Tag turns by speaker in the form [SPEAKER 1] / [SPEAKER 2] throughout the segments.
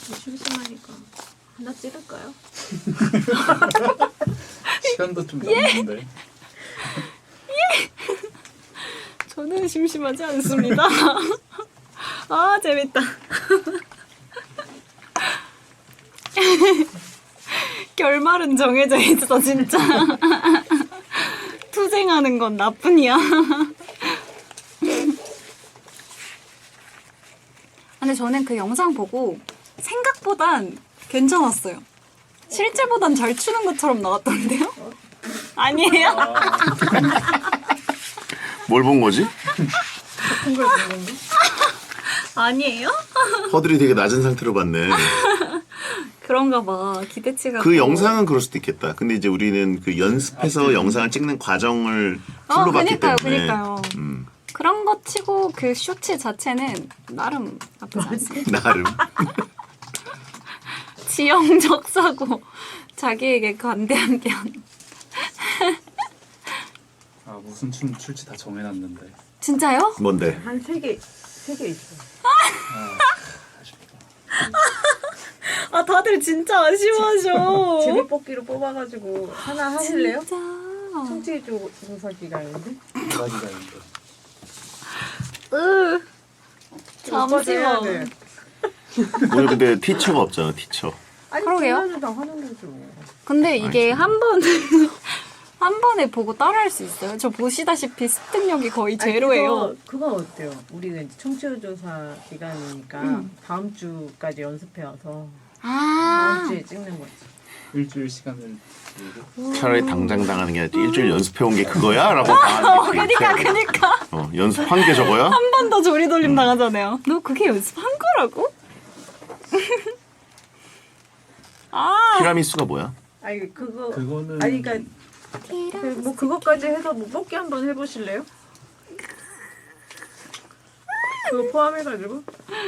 [SPEAKER 1] 심심하니까 하나 찍을까요?
[SPEAKER 2] 시간도 좀 남는데.
[SPEAKER 1] 저는 심심하지 않습니다. 아 재밌다. 결말은 정해져 있어 진짜. 투쟁하는 건 나뿐이야. 근데 저는 그 영상 보고 생각보단 괜찮았어요. 실제보단 잘 추는 것처럼 나왔던데요? 아니에요?
[SPEAKER 3] 뭘 본 거지?
[SPEAKER 1] 걸 본 건가? 아니에요?
[SPEAKER 3] 허들이 되게 낮은 상태로 봤네.
[SPEAKER 1] 그런가 봐. 기대치가.
[SPEAKER 3] 그 영상은 그럴 수도 있겠다. 근데 이제 우리는 그 연습해서 영상을 찍는 과정을 풀로 봤기
[SPEAKER 1] 그니까요,
[SPEAKER 3] 때문에.
[SPEAKER 1] 그니까요. 그런 거 치고 그 쇼츠 자체는 나름 나쁘지 않습니다.
[SPEAKER 3] 나름.
[SPEAKER 1] 지형적 사고, 자기에게 관대한 견.
[SPEAKER 2] 아 무슨 춤 출지 다 정해놨는데.
[SPEAKER 1] 진짜요?
[SPEAKER 3] 뭔데?
[SPEAKER 4] 한 세 개 있어.
[SPEAKER 2] 아쉽다.
[SPEAKER 1] 아 다들 진짜 아쉬워하셔.
[SPEAKER 4] 제비뽑기로 뽑아가지고 하나 하실래요?
[SPEAKER 1] 진짜.
[SPEAKER 4] 청취 조사 기간인데.
[SPEAKER 2] 두 가지가 있는데.
[SPEAKER 1] 잠시만.
[SPEAKER 3] 오늘 근데 티처가 없잖아, 티처.
[SPEAKER 4] 아니
[SPEAKER 1] 그러게요.
[SPEAKER 4] 그러게요. 다 하는 거죠.
[SPEAKER 1] 근데 이게 한 번에 보고 따라할 수 있어요? 저 보시다시피 습득력이 거의 제로예요.
[SPEAKER 4] 그건 어때요? 우리가 이제 청취조사 기간이니까 다음 주까지 연습해 와서 다음 주에 찍는 거지.
[SPEAKER 2] 일주일 시간을 들고.
[SPEAKER 3] 차라리 당장 당하는 게 아니라 일주일 연습해온 게 그거야? 라고 당하는 게
[SPEAKER 1] 그니까.
[SPEAKER 3] 연습한 게 저거야?
[SPEAKER 1] 한 번 더 조리돌림 당하잖아요. 너 그게 연습한 거라고?
[SPEAKER 3] 티라미수가 뭐야?
[SPEAKER 4] 아니
[SPEAKER 2] 그거는
[SPEAKER 4] 아니 그러니까 뭐 그것까지 해서 뭐 뽑기 한번 해보실래요? 그거 포함해가지고.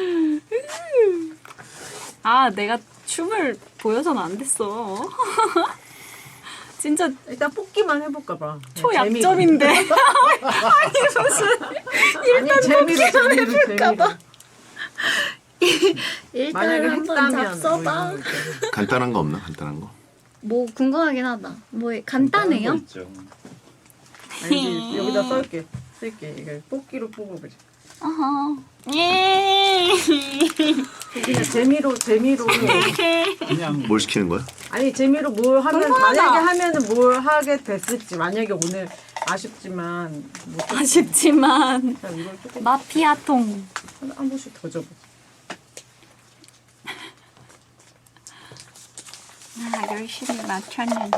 [SPEAKER 1] 내가 춤을 보여서는 안 됐어. 진짜
[SPEAKER 4] 일단 뽑기만 해볼까 봐.
[SPEAKER 1] 초약점인데. 아니 무슨 일단 뽑기만 해볼까 봐.
[SPEAKER 4] 만약에
[SPEAKER 1] 일단 한번
[SPEAKER 4] 했다면
[SPEAKER 1] 잡숴봐.
[SPEAKER 4] 뭐 이런 거.
[SPEAKER 3] 간단한 거 없나? 간단한 거?
[SPEAKER 1] 뭐 궁금하긴 하다. 뭐 간단해요?
[SPEAKER 2] 거 있죠.
[SPEAKER 4] 아니, 여기다 쓸게. 이거 뽑기로 뽑아보자.
[SPEAKER 1] 어허. 예.
[SPEAKER 4] 그냥 재미로
[SPEAKER 2] 그냥
[SPEAKER 3] 뭘 시키는 거야?
[SPEAKER 4] 아니 재미로 뭘 하면
[SPEAKER 1] 궁금하다.
[SPEAKER 4] 만약에 하면은 뭘 하게 됐을지 만약에 오늘 아쉽지만 못
[SPEAKER 1] 아쉽지만
[SPEAKER 4] 그냥 이걸 조금
[SPEAKER 1] 마피아통.
[SPEAKER 4] 한 번씩 더 줘봐.
[SPEAKER 1] 열심히 맞췄는데.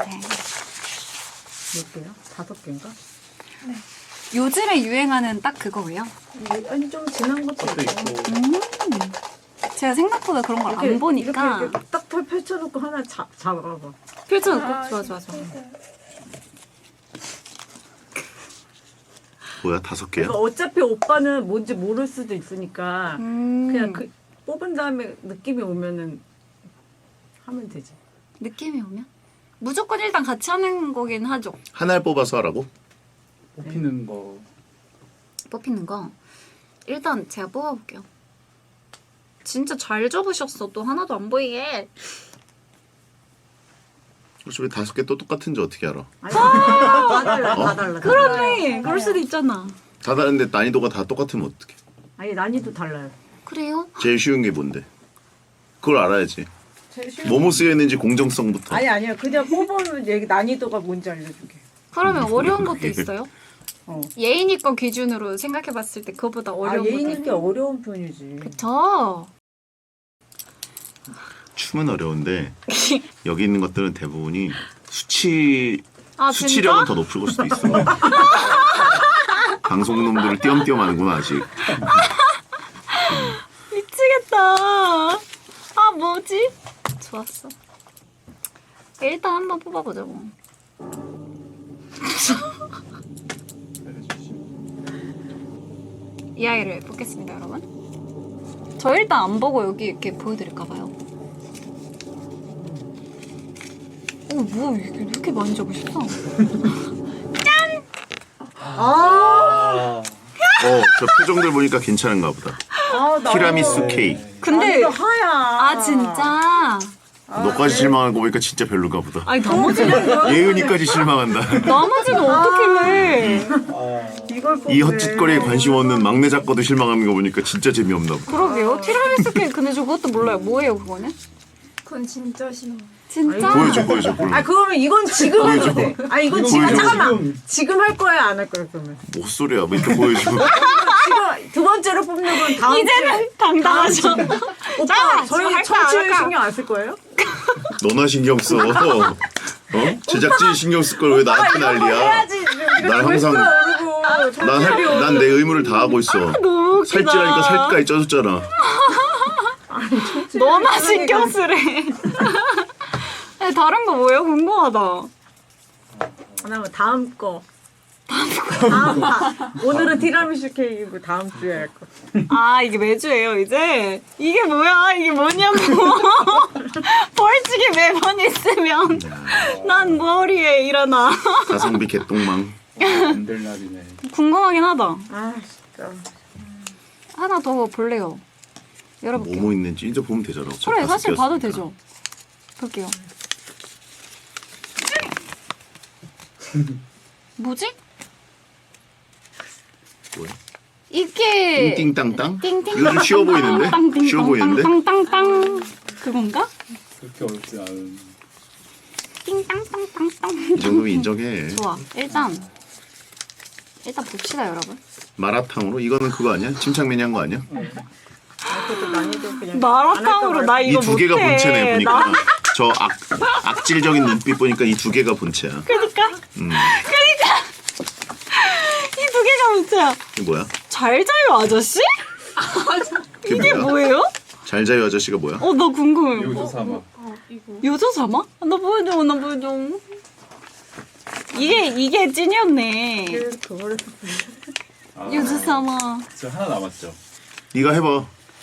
[SPEAKER 4] 몇 개야? 5개인가?
[SPEAKER 1] 요즘에 유행하는 딱 그거예요?
[SPEAKER 4] 아니 좀 지난 것도
[SPEAKER 2] 것도
[SPEAKER 4] 있고.
[SPEAKER 2] 있고.
[SPEAKER 1] 제가 생각보다 그런 걸 안 보니까
[SPEAKER 4] 이렇게 딱 펼쳐놓고 하나 잡아봐.
[SPEAKER 1] 펼쳐놓고 좋아.
[SPEAKER 3] 뭐야? 5개야?
[SPEAKER 4] 그러니까 어차피 오빠는 뭔지 모를 수도 있으니까 그냥 그 뽑은 다음에 느낌이 오면은 하면 되지.
[SPEAKER 1] 느낌이 오면? 무조건 일단 같이 하는 거긴 하죠.
[SPEAKER 3] 하나를 뽑아서 하라고?
[SPEAKER 2] 뽑히는 거
[SPEAKER 1] 뽑히는 거 일단 제가 뽑아볼게요. 진짜 잘 접으셨어. 또 하나도 안 보이게.
[SPEAKER 3] 그렇지, 왜 5개 또 똑같은지 어떻게 알아?
[SPEAKER 4] 아니, 다 달라, 다 달라.
[SPEAKER 1] 그러네. 그럴 수도 있잖아.
[SPEAKER 3] 다 다른데 난이도가 다 똑같으면 어떡해?
[SPEAKER 4] 아니 난이도 달라요.
[SPEAKER 1] 그래요?
[SPEAKER 3] 제일 쉬운 게 뭔데? 그걸 알아야지. 뭐뭐 쓰여 있는지 공정성부터.
[SPEAKER 4] 아니야. 그냥 뽑으면 얘기 난이도가 뭔지 알려줄게.
[SPEAKER 1] 그러면 어려운 것도 있어요?
[SPEAKER 4] 어.
[SPEAKER 1] 예인이 거 기준으로 생각해봤을 때 그거보다 어려운 것도
[SPEAKER 4] 예인이 게
[SPEAKER 1] 있어요?
[SPEAKER 4] 어려운 편이지.
[SPEAKER 1] 그쵸?
[SPEAKER 3] 춤은 어려운데 여기 있는 것들은 대부분이 수치력은
[SPEAKER 1] 진짜?
[SPEAKER 3] 더 높을 걸 수도 있어. 방송놈들을 띄엄띄엄 하는구나 아직.
[SPEAKER 1] 미치겠다. 뭐지? 좋았어. 일단 한번 뽑아보자고. 이 아이를 뽑겠습니다, 여러분. 저 일단 안 보고 여기 이렇게 보여드릴까봐요. 뭐야, 이게 이렇게 많이 적으셨어?
[SPEAKER 3] 저 표정들 보니까 괜찮은가 보다.
[SPEAKER 4] 나
[SPEAKER 3] 티라미수 케이크.
[SPEAKER 1] 근데
[SPEAKER 4] 아니, 하야.
[SPEAKER 1] 아 진짜.
[SPEAKER 3] 너까지 실망하는 거 보니까 진짜 별로가 보다.
[SPEAKER 1] 아니 넘어지면
[SPEAKER 3] 예은이까지 실망한다.
[SPEAKER 1] 넘어지면 어떡해.
[SPEAKER 4] 이걸
[SPEAKER 3] 이 헛짓거리에 관심 없는 막내 작가도 실망하는 거 보니까 진짜 재미없나 보다.
[SPEAKER 1] 그러게요. 티라미수 케이크 근데 저 그것도 몰라요. 뭐예요 그거는?
[SPEAKER 5] 그건 진짜 싫어.
[SPEAKER 1] 진짜?
[SPEAKER 3] 보여줘.
[SPEAKER 4] 아 그러면 이건 지금 해도 돼. 아 이건 지금
[SPEAKER 3] 보여줘.
[SPEAKER 4] 잠깐만. 지금 할 거야 안 할 거야 그러면.
[SPEAKER 3] 뭐 소리야? 뭐 이렇게 보여줘.
[SPEAKER 4] 지금 두 번째로 뽑는 건 다음
[SPEAKER 1] 이제는 당당하죠.
[SPEAKER 4] 오빠 저희
[SPEAKER 1] 지금 할까,
[SPEAKER 4] 청취율
[SPEAKER 1] 안 할까?
[SPEAKER 4] 신경 안 쓸 거예요?
[SPEAKER 3] 너나 신경 써. 제작진 신경 쓸 걸 왜 나한테 난리야?
[SPEAKER 4] 해야지.
[SPEAKER 3] 난 항상 난 내 의무를 다 하고 있어.
[SPEAKER 1] 너무 웃기다.
[SPEAKER 3] 살찌라니까 살까지 쪄줬잖아.
[SPEAKER 1] 너나 신경 쓰래. 아니, 다른 거 뭐예요? 궁금하다.
[SPEAKER 4] 그다음에 다음 거. 다음 파. 오늘은 티라미슈 케이크고 다음 주에 할 거.
[SPEAKER 1] 아 이게 매주예요 이제? 이게 뭐야? 이게 뭐냐고. 벌칙이 매번 있으면 난 머리에 일어나.
[SPEAKER 3] 가성비 개똥망.
[SPEAKER 2] 안 될 날이네.
[SPEAKER 1] 궁금하긴 하다.
[SPEAKER 4] 아 진짜.
[SPEAKER 1] 하나 더 볼래요. 열어볼게요.
[SPEAKER 3] 뭐뭐 있는지 이제 보면 되잖아. 어차피
[SPEAKER 1] 그래
[SPEAKER 3] 다섯
[SPEAKER 1] 사실 봐도
[SPEAKER 3] 개였으니까.
[SPEAKER 1] 되죠. 볼게요. 뭐지?
[SPEAKER 3] 뭐야?
[SPEAKER 1] 이게
[SPEAKER 3] 띵띵땅땅?
[SPEAKER 1] 띵띵
[SPEAKER 3] 이거 좀 쉬워 보이는데? 쉬워 보이는데?
[SPEAKER 1] 땅땅땅땅 그건가?
[SPEAKER 2] 그렇게 어렵지 않은.
[SPEAKER 1] 띵땅땅땅땅.
[SPEAKER 3] 이 정도면 인정해.
[SPEAKER 1] 좋아. 일단 봅시다 여러분.
[SPEAKER 3] 마라탕으로? 이거는 그거 아니야? 침착맨이 한 거 아니야?
[SPEAKER 4] 그것도 난이도 그냥.
[SPEAKER 1] 마라탕으로 나
[SPEAKER 3] 이
[SPEAKER 1] 이거
[SPEAKER 3] 두 개가
[SPEAKER 1] 못해.
[SPEAKER 3] 본체네 보니까.
[SPEAKER 1] 나-
[SPEAKER 3] 저 악질적인 눈빛 보니까 이 두 개가 본체야.
[SPEAKER 1] 그러니까 이 두 개가 문제야.
[SPEAKER 3] 이게 뭐야?
[SPEAKER 1] 잘 자요 아저씨? 이게 뭐예요?
[SPEAKER 3] 잘 자요 아저씨가 뭐야?
[SPEAKER 1] 나 궁금해.
[SPEAKER 2] 요조 사막.
[SPEAKER 1] 요조 사마? 나 보여줘. 이게 찐이었네.
[SPEAKER 4] 그거를
[SPEAKER 2] 아,
[SPEAKER 1] 요조 사마.
[SPEAKER 2] 저 하나 남았죠.
[SPEAKER 3] 네가 해봐.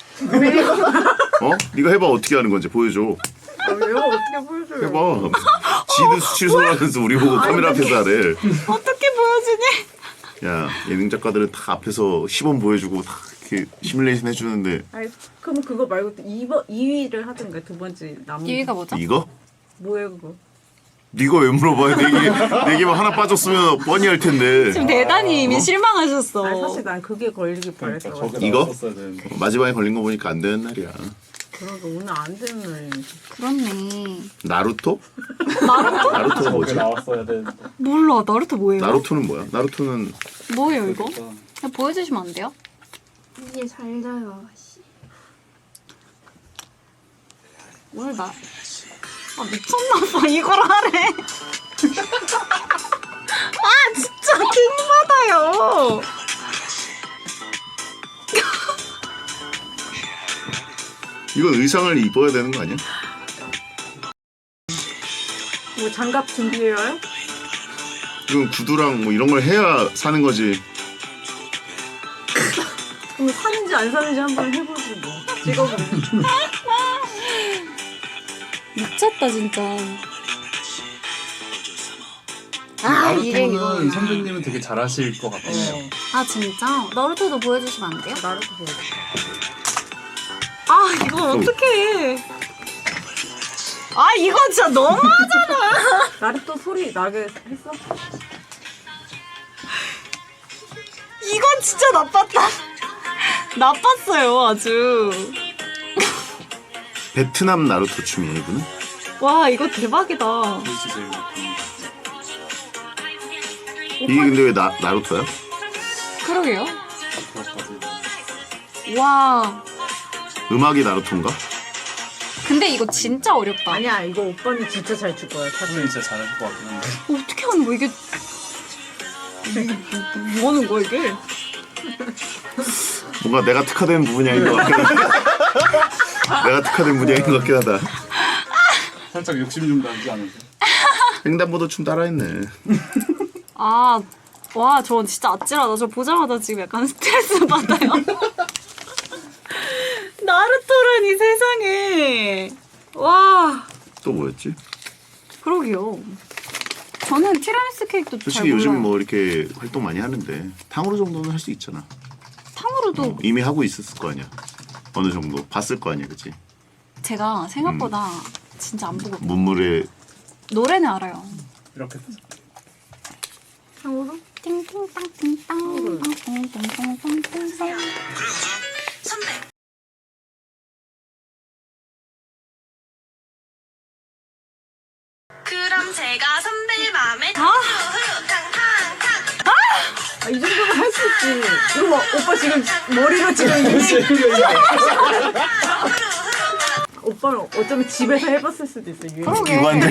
[SPEAKER 3] 네가 해봐. 어떻게 하는 건지 보여줘.
[SPEAKER 4] 왜요? 어떻게 보여줘요?
[SPEAKER 3] 해봐. 지도 수치소하면서 우리 보고 카메라 앞에서 하래.
[SPEAKER 1] 어떻게 보여주니?
[SPEAKER 3] 야 예능 작가들은 다 앞에서 시범 보여주고 다 이렇게 시뮬레이션 해주는데
[SPEAKER 4] 아니 그럼 그거 말고 또 2위를 하든가 두 번째 남은
[SPEAKER 1] 2위가 뭐죠?
[SPEAKER 3] 이거?
[SPEAKER 4] 뭐예요 그거?
[SPEAKER 3] 네가 왜 물어봐? 네 개만 하나 빠졌으면 뻔히 할 텐데.
[SPEAKER 1] 지금 대단히 이미 실망하셨어.
[SPEAKER 4] 아니 사실 난 그게 걸리길
[SPEAKER 2] 그러니까
[SPEAKER 4] 바랬어.
[SPEAKER 2] 저게
[SPEAKER 3] 이거?
[SPEAKER 2] 나왔었어야 되는데.
[SPEAKER 3] 마지막에 걸린 거 보니까 안 되는 날이야.
[SPEAKER 4] 그러게 오늘 안 되는 날이네.
[SPEAKER 1] 그렇네.
[SPEAKER 3] 나루토? 나루토가
[SPEAKER 2] 저게
[SPEAKER 3] 뭐지?
[SPEAKER 2] 나왔어야 되는데.
[SPEAKER 1] 몰라. 나루토 뭐예요?
[SPEAKER 3] 나루토는 뭐야? 나루토는
[SPEAKER 1] 뭐예요 이거?
[SPEAKER 2] 그러니까.
[SPEAKER 1] 그냥 보여주시면 안 돼요?
[SPEAKER 5] 이게 잘 자요. 씨.
[SPEAKER 1] 오늘 나 미쳤나봐 이걸 하래. 아 진짜 킹받아요.
[SPEAKER 3] 이거 의상을 입어야 되는 거 아니야?
[SPEAKER 4] 뭐 장갑 준비해요?
[SPEAKER 3] 이건 구두랑 뭐 이런 걸 해야 사는 거지.
[SPEAKER 4] 그럼 사는지 안 사는지 한번 해보지 뭐. 찍어보면.
[SPEAKER 1] 미쳤다 진짜. 아 이게
[SPEAKER 2] 나루토는
[SPEAKER 1] 이거구나.
[SPEAKER 2] 선배님은 되게 잘하실 것 같아요.
[SPEAKER 1] 아 진짜? 나루토도 보여주시면 안 돼요?
[SPEAKER 4] 나루토 보여줘.
[SPEAKER 1] 아 이걸 어떡해. 아 이거 진짜 너무하잖아.
[SPEAKER 4] 나루토 소리 나게 했어?
[SPEAKER 1] 이건 진짜 나빴다. 나빴어요 아주.
[SPEAKER 3] 베트남 나루토 춤이야 이거는?
[SPEAKER 1] 와 이거 대박이다.
[SPEAKER 2] 그것이 제일
[SPEAKER 3] 이게 근데 왜 나루토야?
[SPEAKER 1] 그러게요.
[SPEAKER 2] 그것까지.
[SPEAKER 1] 와
[SPEAKER 3] 음악이 나루토인가?
[SPEAKER 1] 근데 이거 진짜 어렵다.
[SPEAKER 4] 아니야 이거 오빠는 진짜 잘 출 거야. 사실.
[SPEAKER 2] 선배님 진짜 잘할 것 같긴 한데.
[SPEAKER 1] 어떻게 하는 거야 이게? 뭐 하는 거야 이게?
[SPEAKER 3] 뭔가 내가 특화된 분야인 것 같긴 하다. 내가 특화된 분야인 것 같긴 하다.
[SPEAKER 2] 살짝 욕심 좀 나지 않으세요?
[SPEAKER 3] 횡단보도 춤 따라했네.
[SPEAKER 1] 아, 와, 저 진짜 아찔하다. 저 보자마자 지금 약간 스트레스 받아요. 나루토라니 세상에. 와,
[SPEAKER 3] 또 뭐였지?
[SPEAKER 1] 그러게요. 저는 티라미수 케이크도 잘
[SPEAKER 3] 솔직히
[SPEAKER 1] 몰라요.
[SPEAKER 3] 요즘 뭐 이렇게 활동 많이 하는데 탕후루 정도는 할 수 있잖아.
[SPEAKER 1] 탕후루도
[SPEAKER 3] 이미 하고 있었을 거 아니야. 어느 정도 봤을 거 아니야, 그치?
[SPEAKER 1] 제가 생각보다 진짜 안 보고
[SPEAKER 3] 문물에
[SPEAKER 1] 노래는 알아요.
[SPEAKER 2] 이렇게
[SPEAKER 5] 상으로?
[SPEAKER 1] 띵띵땅 띵땅 띵띵땅땅.
[SPEAKER 6] 그럼 제가 선배 마음에
[SPEAKER 4] 이 정도면 할 수 있지. 이거 뭐, 오빠 지금 머리로 지금 오빠는 어쩌면 집에서 해봤을 수도 있어. 유행.
[SPEAKER 1] 그러게.
[SPEAKER 3] 기관들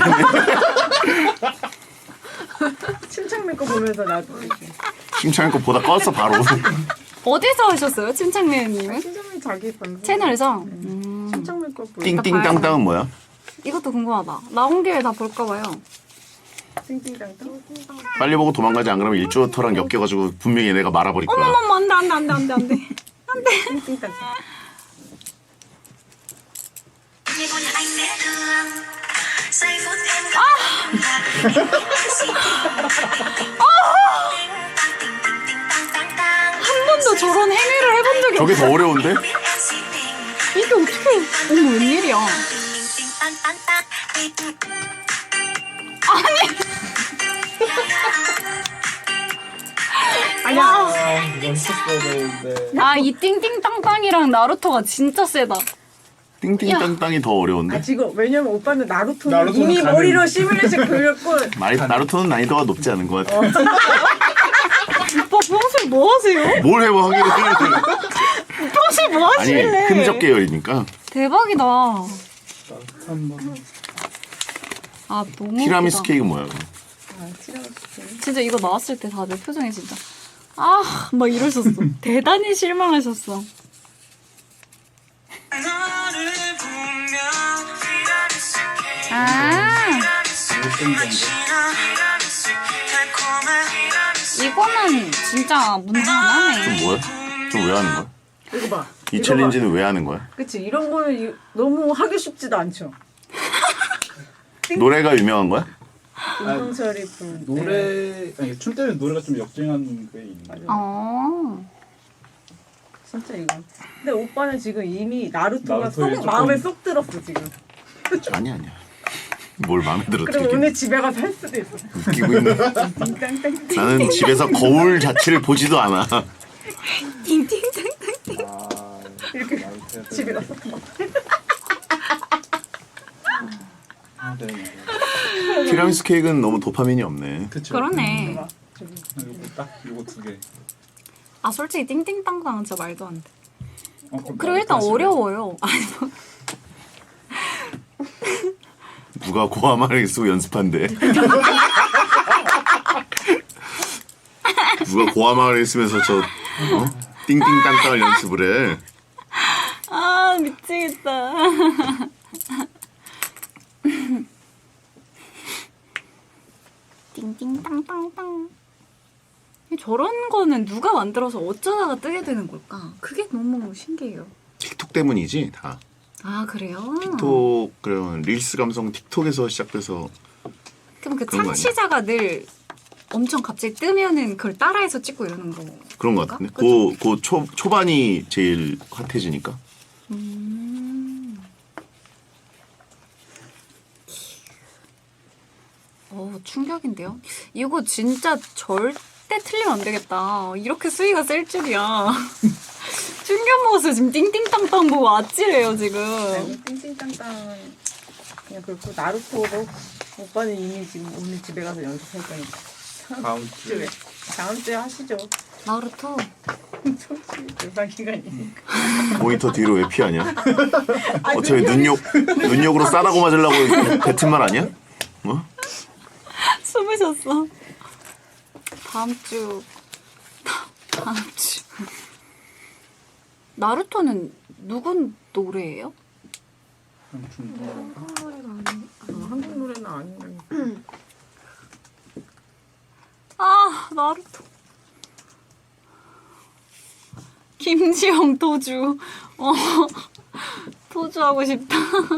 [SPEAKER 4] 침착맨 거 보면서 나도 이렇게.
[SPEAKER 3] 심창이 거 보다 껐어 바로.
[SPEAKER 1] 어디서 하셨어요, 침착맨님은?
[SPEAKER 4] 침착맨 자기 방송.
[SPEAKER 1] 채널에서?
[SPEAKER 4] 침착맨 거 보고.
[SPEAKER 3] 띵띵땅땅은 뭐야?
[SPEAKER 1] 이것도 궁금하다. 나온 김에 다 볼까 봐요.
[SPEAKER 4] 띵띵땅땅.
[SPEAKER 3] 빨리 보고 도망가지 안 그러면 일주어터랑 엮여가지고 분명히 얘네가 말아버릴 거야.
[SPEAKER 1] 어머머머, 안돼.
[SPEAKER 4] 띵띵땅땅.
[SPEAKER 1] 한 번도 저런 행위를 해본 적이
[SPEAKER 3] 저게
[SPEAKER 1] 없어.
[SPEAKER 3] 더 어려운데?
[SPEAKER 1] 이게 어떻게? 어머, 웬일이야?
[SPEAKER 4] 아니야.
[SPEAKER 2] 이거 했었어야 되는데.
[SPEAKER 1] 아, 이 띵띵땅땅이랑 나루토가 진짜 세다.
[SPEAKER 3] 띵띵땅땅이 더 어려운데?
[SPEAKER 4] 지금 왜냐면 오빠는 나루토는
[SPEAKER 2] 나루토는
[SPEAKER 4] 이미
[SPEAKER 2] 가능.
[SPEAKER 4] 머리로 시뮬레이션 그렸고
[SPEAKER 3] 나루토는 난이도가 높지 않은 것 같아.
[SPEAKER 1] 오빠 평소에 뭐 하세요?
[SPEAKER 3] 뭘 해봐 하기는.
[SPEAKER 1] 평소에 뭐
[SPEAKER 3] 아니
[SPEAKER 1] 하실래?
[SPEAKER 3] 흔적 계열이니까.
[SPEAKER 1] 대박이다.
[SPEAKER 2] 한번
[SPEAKER 1] 아, 너무
[SPEAKER 3] 티라미수
[SPEAKER 1] 웃기다.
[SPEAKER 3] 케이크 뭐야? 그럼?
[SPEAKER 1] 진짜 이거 나왔을 때 다들 표정이 진짜 아, 막 이러셨어. 대단히 실망하셨어. 아, 이거는 진짜 문제 안
[SPEAKER 3] 좀
[SPEAKER 1] 하네.
[SPEAKER 3] 뭐야? 좀 왜 하는 거야?
[SPEAKER 4] 이거 봐.
[SPEAKER 3] 이
[SPEAKER 4] 이거
[SPEAKER 3] 챌린지는 왜 하는 거야?
[SPEAKER 4] 봐. 그치 이런 거는 너무 하기 쉽지도 않죠.
[SPEAKER 3] 노래가 유명한 거야?
[SPEAKER 4] 김동철이 부른
[SPEAKER 2] 노래 아니 춤 때는 노래가 좀 역주행하는 게 있는데.
[SPEAKER 1] 어.
[SPEAKER 4] 진짜 이거. 근데 오빠는 지금 이미 나루토가
[SPEAKER 2] 나루토에
[SPEAKER 4] 쏙
[SPEAKER 2] 조금-
[SPEAKER 4] 마음에 쏙 들었어 지금.
[SPEAKER 3] 아니야. 뭘 마음에 들어
[SPEAKER 4] 그럼
[SPEAKER 3] 되게
[SPEAKER 4] 오늘 집에 가서 할 수도 있어.
[SPEAKER 3] 웃기고 있는.
[SPEAKER 4] 띵땅땅.
[SPEAKER 3] 나는 집에서 거울 자체를 보지도 않아.
[SPEAKER 1] 띵띵땅.
[SPEAKER 2] 아
[SPEAKER 4] 이렇게
[SPEAKER 2] 나한테
[SPEAKER 4] 집에 가서
[SPEAKER 2] 네.
[SPEAKER 3] 티라미수 케이크는 너무 도파민이 없네.
[SPEAKER 2] 그쵸.
[SPEAKER 1] 그러네.
[SPEAKER 4] 막 저기
[SPEAKER 2] 요거 딱 요거 두 개.
[SPEAKER 1] 아, 솔직히 띵띵땅땅은 진짜 말도 안 돼.
[SPEAKER 2] 그럼
[SPEAKER 1] 그리고 일단
[SPEAKER 2] 나도
[SPEAKER 1] 어려워요. 아니, 뭐.
[SPEAKER 3] 누가 고아말을 쓰고 연습한대. 누가 고아말을 쓰면서 저 띵띵땅땅을 연습을 해.
[SPEAKER 1] 아, 미치겠다. 띵띵땅땅땅. 저런 거는 누가 만들어서 어쩌다가 뜨게 되는 걸까? 그게 너무 신기해요.
[SPEAKER 3] 틱톡 때문이지 다.
[SPEAKER 1] 아, 그래요?
[SPEAKER 3] 틱톡 그런 릴스 감성 틱톡에서 시작돼서
[SPEAKER 1] 그럼 그
[SPEAKER 3] 그런 거 아니야?
[SPEAKER 1] 참치자가 늘 엄청 갑자기 뜨면은 그걸 따라해서 찍고 이러는 거.
[SPEAKER 3] 그런 것 같은데. 그 초반이 제일 핫해지니까.
[SPEAKER 1] 충격인데요? 이거 진짜 절대 틀리면 안 되겠다. 이렇게 수위가 셀 줄이야. 충격 먹었어요. 지금 띵띵땅땅 보고 아찔해요, 지금.
[SPEAKER 4] 띵띵땅땅은 그냥 그렇고 나루토도 오빠는 이미 지금 오늘 집에 가서 연습할 거니까
[SPEAKER 2] 다음 주에.
[SPEAKER 4] 다음 주에 하시죠.
[SPEAKER 1] 나루토.
[SPEAKER 4] 청취 불방 기간이니까.
[SPEAKER 3] 모니터 뒤로 왜 피하냐? 어차피 눈욕으로 싸다고 맞으려고 뱉은 말 아니야? 뭐?
[SPEAKER 1] 숨을 쉬었어. 다음 주. 나루토는 누군 노래예요?
[SPEAKER 4] 한국 노래는 아닌데.
[SPEAKER 1] 아, 나루토. 김지영 도주. 도주하고 싶다.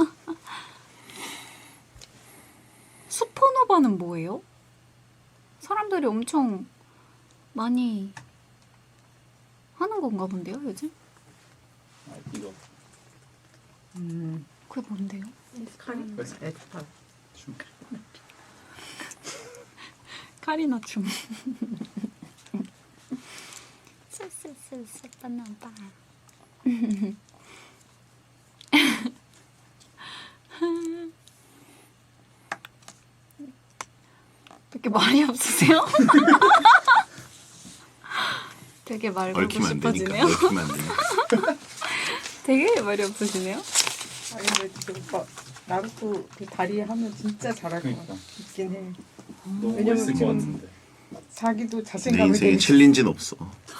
[SPEAKER 1] 슈퍼노바는 뭐예요? 사람들이 엄청 많이 하는 건가 본데요, 요즘?
[SPEAKER 2] 아, 이거
[SPEAKER 1] 그게 뭔데요?
[SPEAKER 4] 카리? 에스파.
[SPEAKER 2] 춤.
[SPEAKER 1] 카리나 춤. 쎄쎄쎄쎄 빠나빠. 이렇게 말이 없으세요? 되게 말 걸고
[SPEAKER 3] 얽히면 안 되니까.
[SPEAKER 1] 싶어지네요.
[SPEAKER 3] 얽히면 안 되니까.
[SPEAKER 1] 되게 말이 없으시네요.
[SPEAKER 7] 아 근데 진짜 오빠 나루토 그 다리 하면 진짜 잘할 것
[SPEAKER 2] 그러니까.
[SPEAKER 7] 같긴 해.
[SPEAKER 2] 너무
[SPEAKER 7] 왜냐면
[SPEAKER 2] 멋있을 것
[SPEAKER 7] 지금
[SPEAKER 2] 같은데.
[SPEAKER 7] 자기도
[SPEAKER 3] 내
[SPEAKER 7] 자신감을
[SPEAKER 3] 인생에
[SPEAKER 7] 되게
[SPEAKER 3] 챌린지는 없어.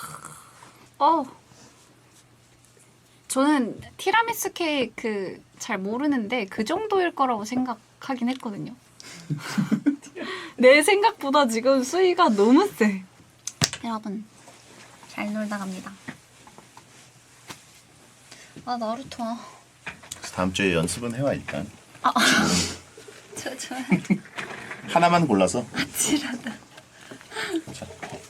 [SPEAKER 1] 저는 티라미수 케이크 잘 모르는데 그 정도일 거라고 생각하긴 했거든요. 내 생각보다 지금 수위가 너무 세. 여러분 잘 놀다 갑니다. 아 나루토.
[SPEAKER 3] 다음 주에 연습은 해와 일단.
[SPEAKER 1] 저
[SPEAKER 3] 하나만 골라서.
[SPEAKER 1] 아찔하다.
[SPEAKER 3] 자.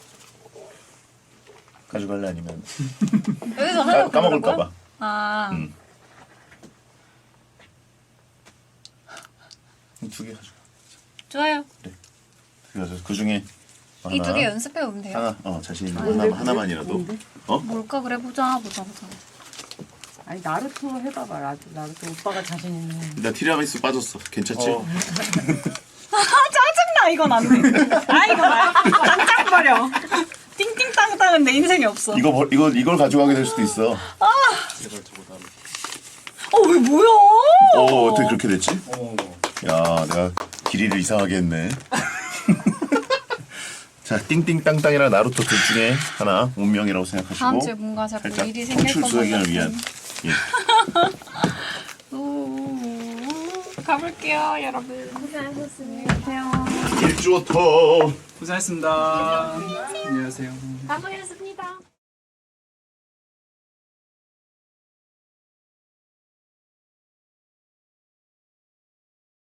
[SPEAKER 3] 가져갈래 아니면
[SPEAKER 1] 여기서 하나
[SPEAKER 3] 까먹을까봐.
[SPEAKER 1] 아
[SPEAKER 3] 두 개 가져가.
[SPEAKER 1] 좋아요.
[SPEAKER 3] 그래서 그 중에
[SPEAKER 1] 이 두 개 연습해 오면 돼요.
[SPEAKER 3] 하나 자신 있는 거 하나만이라도.
[SPEAKER 1] 뭘까 그래 보자.
[SPEAKER 7] 아니 나루토 해봐봐. 나루토 오빠가 자신 있는.
[SPEAKER 3] 나 티라미수 빠졌어. 괜찮지?
[SPEAKER 1] 짜증나 이건 안 돼. 아 이거 짱짱 버려. 띵띵땅땅은 내 인생에 없어.
[SPEAKER 3] 이걸 가져가게 될 수도 있어.
[SPEAKER 2] 제발 저거 나를.
[SPEAKER 1] 왜 뭐야?
[SPEAKER 3] 어떻게 그렇게 됐지?
[SPEAKER 2] 어머.
[SPEAKER 3] 야, 내가 길이를 이상하게 했네. 자, 띵띵땅땅이랑 나루토 둘 중에 하나 운명이라고 생각하시고
[SPEAKER 1] 다음 주에 뭔가 자꾸
[SPEAKER 3] 살짝
[SPEAKER 1] 일이 생길
[SPEAKER 3] 청출
[SPEAKER 1] 것만
[SPEAKER 3] 수행을
[SPEAKER 1] 같은.
[SPEAKER 3] 위한 예.
[SPEAKER 1] 가볼게요 여러분.
[SPEAKER 5] 고생하셨습니다.
[SPEAKER 3] 일주어터
[SPEAKER 2] 고생했습니다. 안녕하세요.
[SPEAKER 1] 가보겠습니다.